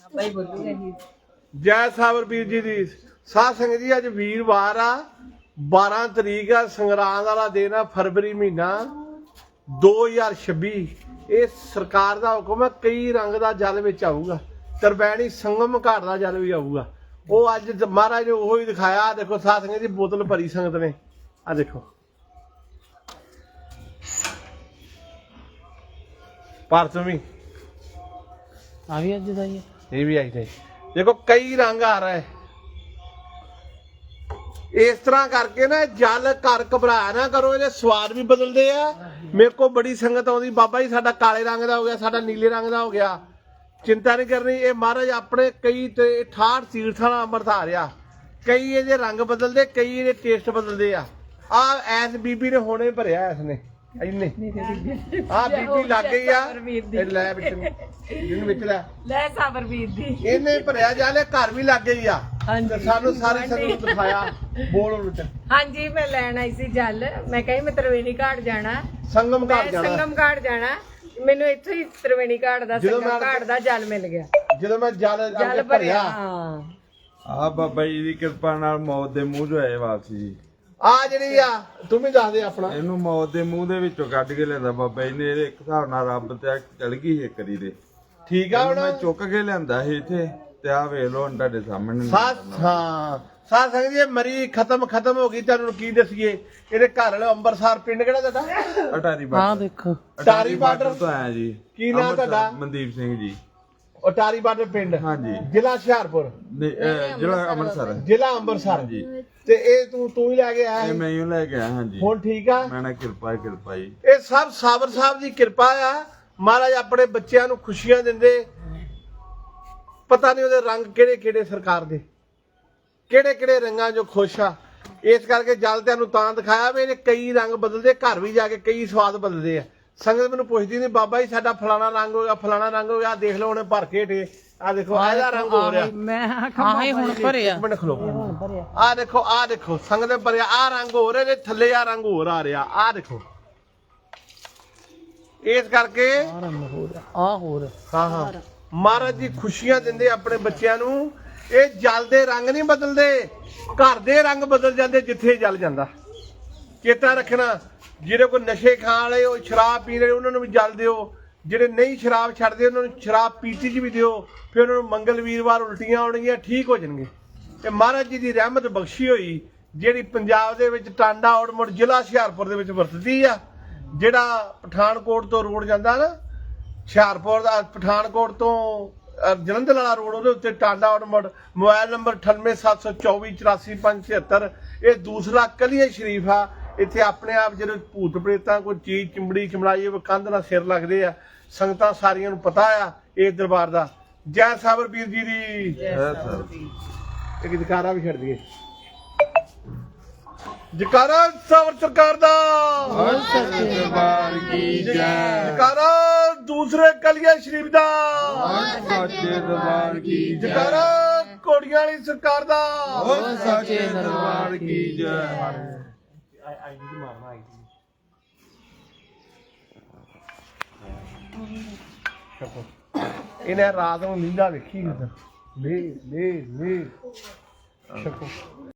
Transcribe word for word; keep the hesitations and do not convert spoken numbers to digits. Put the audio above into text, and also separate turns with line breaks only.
ਬਾਈ ਬੋਲੂਗਾ ਜੀ।
ਜੈ ਸਾਬਰ ਵੀਰ ਜੀ ਦੀ ਸਾਧ ਸੰਗਤ ਜੀ, ਅੱਜ ਵੀਰਵਾਰ ਆ, ਬਾਰਾਂ ਤਰੀਕ ਆ, ਸੰਗਰਾਂਦ ਵਾਲਾ ਦਿਨ ਆ, ਫਰਵਰੀ ਮਹੀਨਾ ਦੋ ਹਜ਼ਾਰ ਛੱਬੀ। ਇਹ ਸਰਕਾਰ ਦਾ ਹੁਕਮ ਹੈ, ਕਈ ਰੰਗ ਦਾ ਜਲ ਵਿੱਚ ਆਊਗਾ, ਤਰਵੈਣੀ ਸੰਗਮ ਘਾਟ ਦਾ ਜਲ ਵੀ ਆਊਗਾ। ਉਹ ਅੱਜ ਮਹਾਰਾਜ ਨੇ ਉਹੋ ਹੀ ਦਿਖਾਇਆ। ਦੇਖੋ ਸਾਧ ਸੰਗਤ ਜੀ, ਬੋਤਲ ਭਰੀ ਸੰਗਤ ਨੇ, ਆ ਦੇਖੋ ਭਾਰਤ ਵੀ
ਆ ਵੀ ਅੱਜ ਦਾ ਹੀ
ਇਹ ਵੀ ਆਈ ਨਹੀਂ। ਦੇਖੋ ਕਈ ਰੰਗ ਆ ਰਹੇ ਇਸ ਤਰ੍ਹਾਂ ਕਰਕੇ ਨਾ। ਜਲ ਘਰ ਘਬਰਾਇਆ ਨਾ ਕਰੋ, ਇਹਦੇ ਸਵਾਦ ਵੀ ਬਦਲਦੇ ਆ। ਮੇਰੇ ਕੋਲ ਬੜੀ ਸੰਗਤ ਆਉਂਦੀ, ਬਾਬਾ ਜੀ ਸਾਡਾ ਕਾਲੇ ਰੰਗ ਦਾ ਹੋ ਗਿਆ, ਸਾਡਾ ਨੀਲੇ ਰੰਗ ਦਾ ਹੋ ਗਿਆ। ਚਿੰਤਾ ਨਹੀਂ ਕਰਨੀ, ਇਹ ਮਹਾਰਾਜ ਆਪਣੇ ਕਈ ਤੇ ਅਠਾਹਠ ਤੀਰਥਾਂ ਦਾ ਅੰਮ੍ਰਿਤ ਆ ਰਿਹਾ। ਕਈ ਇਹਦੇ ਰੰਗ ਬਦਲਦੇ, ਕਈ ਇਹਦੇ ਟੇਸਟ ਬਦਲਦੇ ਆ। ਆ ਐਸ ਬੀਬੀ ਨੇ ਹੁਣੇ ਭਰਿਆ, ਇਸ ਨੇ ਇੰਨੇ ਆ ਬੀਬੀ ਲੱਗ ਗਈ ਆ। ਇਹ ਲੈ ਵਿੱਚ ਜਿਹਨੂੰ ਵਿੱਚ ਲੈ
ਲੈ ਸਾਬਰ ਵੀਰ ਦੀ
ਇਹਨੇ ਭਰਿਆ ਜਾਲੇ, ਘਰ ਵੀ ਲੱਗ ਗਈ ਆ। ਤੇ ਸਾਨੂੰ ਸਾਰੇ ਸੰਗਤ ਨੂੰ ਦਿਖਾਇਆ। ਬੋਲ ਉਹਨੂੰ ਚ
ਹਾਂਜੀ, ਮੈਂ ਲੈਣ ਆਈ ਸੀ ਜਲ। ਮੈਂ ਕਹੀ ਮੈਂ ਤਰਵੇਣੀ ਘਾਟ ਜਾਣਾ,
ਸੰਗਮ
ਮੈਂ
ਘਾਟ ਜਾਣਾ।
ਸੰਗਮ ਘਾਟ ਜਾਣਾ। ਮੈਨੂੰ ਇੱਥੇ ਹੀ ਤਰਵੇਣੀ ਘਾਟ ਦਾ
ਜਦੋਂ
ਸੰਗਮ
ਮੈਂ-
ਘਾਟ ਦਾ ਜਲ ਮਿਲ ਗਿਆ।
ਜਦੋਂ ਮੈਂ ਜਲ
ਜਲ
ਅੱਗੇ
ਭਰਿਆ।
ਭਰਿਆ,
ਹਾਂ,
ਆ ਬਾਬਾ ਜੀ ਦੀ ਕਿਰਪਾ ਨਾਲ ਮੌਤ ਦੇ ਮੂੰਹ ਚੋਂ ਆਏ ਵਾਪਸੀ ਜੀ।
ਆ ਜਿਹੜੀ ਆ ਤੂੰ ਵੀ ਦੱਸ ਦੇ ਆਪਣਾ।
ਇਹਨੂੰ ਮੌਤ ਦੇ ਮੂੰਹ ਦੇ ਵਿੱਚੋਂ ਕੱਢ ਕੇ ਲਿਆਂਦਾ ਬਾਬਾ ਜੀ ਨੇ। ਇਹਦੇ ਇੱਕ ਹਿਸਾਬ ਨਾਲ ਰੱਬ ਤੇ ਚਲ ਗਈ ਇੱਕ ਵਾਰੀ ਦੇ।
ਠੀਕ ਆ
ਇਹਨੂੰ ਮੈਂ
ਹੁਣ
ਚੁੱਕ ਕੇ ਲਿਆਂਦਾ ਸੀ ਇੱਥੇ, ਤੇ ਆ ਵੇਖ ਲੋ ਹੁਣ ਤੁਹਾਡੇ ਸਾਹਮਣੇ।
ਸਾਥ ਹਾਂ ਸਾਥ ਸੰਗਤ ਜੀ, ਮਰੀ ਖਤਮ ਖਤਮ ਹੋ ਗਈ। ਤੁਹਾਨੂੰ ਕੀ ਦਸੀਏ, ਇਹਦੇ ਘਰ ਵਾਲੇ ਅੰਮ੍ਰਿਤਸਰ ਪਿੰਡ ਕਿਹੜਾ ਤੁਹਾਡਾ?
ਅਟਾਰੀ
ਹਾਂ
ਬਾਰਡਰ।
ਦੇਖੋ
ਅਟਾਰੀ ਬਾਰਡਰ
ਤੋਂ ਆਇਆ ਜੀ।
ਕੀ ਨਾਂ
ਅੰਮ੍ਰਿਤਸਰ,
ਤੁਹਾਡਾ?
ਮਨਦੀਪ ਸਿੰਘ ਜੀ।
ਅਟਾਰੀ ਬਾਰਡਰ ਪਿੰਡ,
ਹਾਂਜੀ।
ਜ਼ਿਲ੍ਹਾ ਹੁਸ਼ਿਆਰਪੁਰ,
ਨਹੀਂ, ਅਹ, ਜ਼ਿਲ੍ਹਾ ਅੰਮ੍ਰਿਤਸਰ।
ਜ਼ਿਲ੍ਹਾ ਅੰਮ੍ਰਿਤਸਰ।
ਹਾਂਜੀ।
ਤੇ ਇਹ ਤੂੰ ਤੂੰ ਹੀ ਲੈ ਕੇ ਆਇਆ
ਇਹ
ਸੀ?
ਮੈਂ ਹੀ ਲੈ ਕੇ ਆਇਆ। ਹਾਂਜੀ।
ਹੁਣ ਠੀਕ ਆ?
ਮੈਂ ਨਾ ਕਿਰਪਾ ਕਿਰਪਾ ਜੀ।
ਇਹ ਸਭ ਸਾਬਰ ਸਾਹਿਬ ਦੀ ਕਿਰਪਾ ਆ। ਮਹਾਰਾਜ ਆਪਣੇ ਬੱਚਿਆਂ ਨੂੰ ਖੁਸ਼ੀਆਂ ਦਿੰਦੇ। ਪਤਾ ਨਹੀਂ ਉਹਦੇ ਰੰਗ ਕਿਹੜੇ ਕਿਹੜੇ ਸਰਕਾਰ ਦੇ, ਕਿਹੜੇ ਕਿਹੜੇ ਰੰਗਾਂ ਜੋ ਖੁਸ਼ ਆ। ਇਸ ਕਰਕੇ ਜਲ ਤੁਹਾਨੂੰ ਤਾਂ ਦਿਖਾਇਆ ਵੀ ਇਹਨੇ ਕਈ ਰੰਗ ਬਦਲਦੇ, ਘਰ ਵੀ ਜਾ ਕੇ ਕਈ ਸਵਾਦ ਬਦਲਦੇ ਆ। ਸੰਗਤ ਮੈਨੂੰ ਪੁੱਛਦੀ ਨਹੀਂ, ਬਾਬਾ ਜੀ ਸਾਡਾ ਫਲਾਣਾ ਰੰਗ ਹੋ ਗਿਆ, ਫਲਾਣਾ ਰੰਗ ਹੋ ਗਿਆ। ਆਹ ਦੇਖ ਲਓ ਉਹਨੇ ਭਰ ਕੇ ਢੇ, ਆ ਦੇਖੋ ਆਹ ਇਹਦਾ ਰੰਗ ਹੋ ਰਿਹਾ।
ਮੈਂ ਆਹੇ ਹੁਣ ਭਰਿਆ।
ਮਿੰਟ ਖਲੋ, ਆਹ ਦੇਖੋ, ਆਹ ਦੇਖੋ ਸੰਗਤ ਦੇ ਭਰਿਆ। ਆਹ ਰੰਗ ਹੋ ਰਿਹਾ, ਤੇ ਥੱਲੇ ਆ ਰੰਗ ਹੋਰ ਆ ਰਿਹਾ। ਆਹ ਦੇਖੋ, ਇਸ ਕਰਕੇ
ਆ ਹੋਰ
ਹਾਂ ਹਾਂ ਮਹਾਰਾਜ ਜੀ ਖੁਸ਼ੀਆਂ ਦਿੰਦੇ ਆਪਣੇ ਬੱਚਿਆਂ ਨੂੰ। ਇਹ ਜਲ ਦੇ ਰੰਗ ਨਹੀਂ ਬਦਲਦੇ, ਘਰ ਦੇ ਰੰਗ ਬਦਲ ਜਾਂਦੇ ਜਿੱਥੇ ਜਲ ਜਾਂਦਾ। ਚੇਤਾ ਰੱਖਣਾ, ਜਿਹੜੇ ਕੋਈ ਨਸ਼ੇ ਖਾਣ ਵਾਲੇ, ਉਹ ਸ਼ਰਾਬ ਪੀਣ ਵਾਲੇ, ਉਹਨਾਂ ਨੂੰ ਵੀ ਜਲ ਦਿਓ। ਜਿਹੜੇ ਨਹੀਂ ਸ਼ਰਾਬ ਛੱਡਦੇ, ਉਹਨਾਂ ਨੂੰ ਸ਼ਰਾਬ ਪੀਤੀ 'ਚ ਵੀ ਦਿਓ। ਫਿਰ ਉਹਨਾਂ ਨੂੰ ਮੰਗਲ ਵੀਰਵਾਰ ਉਲਟੀਆਂ ਆਉਣਗੀਆਂ, ਠੀਕ ਹੋ ਜਾਣਗੇ। ਤੇ ਮਹਾਰਾਜ ਜੀ ਦੀ ਰਹਿਮਤ ਬਖਸ਼ੀ ਹੋਈ, ਜਿਹੜੀ ਪੰਜਾਬ ਦੇ ਵਿੱਚ ਟਾਂਡਾ ਔੜਮੁੜ ਜ਼ਿਲ੍ਹਾ ਹੁਸ਼ਿਆਰਪੁਰ ਦੇ ਵਿੱਚ ਵਰਤਦੀ ਆ। ਜਿਹੜਾ ਪਠਾਨਕੋਟ ਤੋਂ ਰੋਡ ਜਾਂਦਾ ਨਾ, ਹੁਸ਼ਿਆਰਪੁਰ ਦਾ ਪਠਾਨਕੋਟ ਤੋਂ ਅਹ ਜਲੰਧਰ ਵਾਲਾ ਰੋਡ, ਉਹਦੇ ਉੱਤੇ ਟਾਂਡਾ ਔੜਮੁੜ। ਮੋਬਾਈਲ ਨੰਬਰ ਅਠਾਨਵੇਂ ਸੱਤ ਸੌ ਚੌਵੀ ਚੁਰਾਸੀ ਪੰਜ ਛਿਹੱਤਰ। ਇਹ ਦੂਸਰਾ ਕਲੀਆ ਸ਼ਰੀਫ ਆ। ਇੱਥੇ ਆਪਣੇ ਆਪ ਜਿਹੜੇ ਭੂਤ ਪ੍ਰੇਤਾਂ ਕੋਈ ਚੀਜ਼ ਚਿੰਬੜੀ ਚਮੜਾਈ ਉਹ ਕੰਧ ਨਾਲ ਸਿਰ ਲੱਗਦੇ ਆ। ਸੰਗਤਾਂ ਸਾਰੀਆਂ ਨੂੰ ਪਤਾ ਆ ਇਹ ਦਰਬਾਰ ਦਾ। ਜੈ ਸਾਬਰ ਵੀਰ ਜੀ ਦੀ। ਇੱਕ ਜਕਾਰਾ ਵੀ ਛੱਡ ਦਈਏ, ਜਕਾਰਾ ਸਾਬਰ ਸਰਕਾਰ ਦਾ।
ਦਰਬਾਰ ਕੀ ਜੈ।
ਜਕਾਰਾ ਦੂਸਰੇ ਕਲੀਆ ਸ਼ਰੀਫ ਦਾ।
ਸੱਚੇ ਦਰਬਾਰ ਕੀ ਜੈ।
ਜਕਾਰਾ ਕੋੜੀਆਂ ਵਾਲੀ ਸਰਕਾਰ ਦਾ।
ਸੱਚੇ ਦਰਬਾਰ ਕੀ ਜੈ।
ਇਹਨੇ ਰਾਤ ਨੂੰ ਨੀਂਦਾਂ ਵੇਖੀ। ਲੈ ਲੈ ਲੈ ਛਕੋ।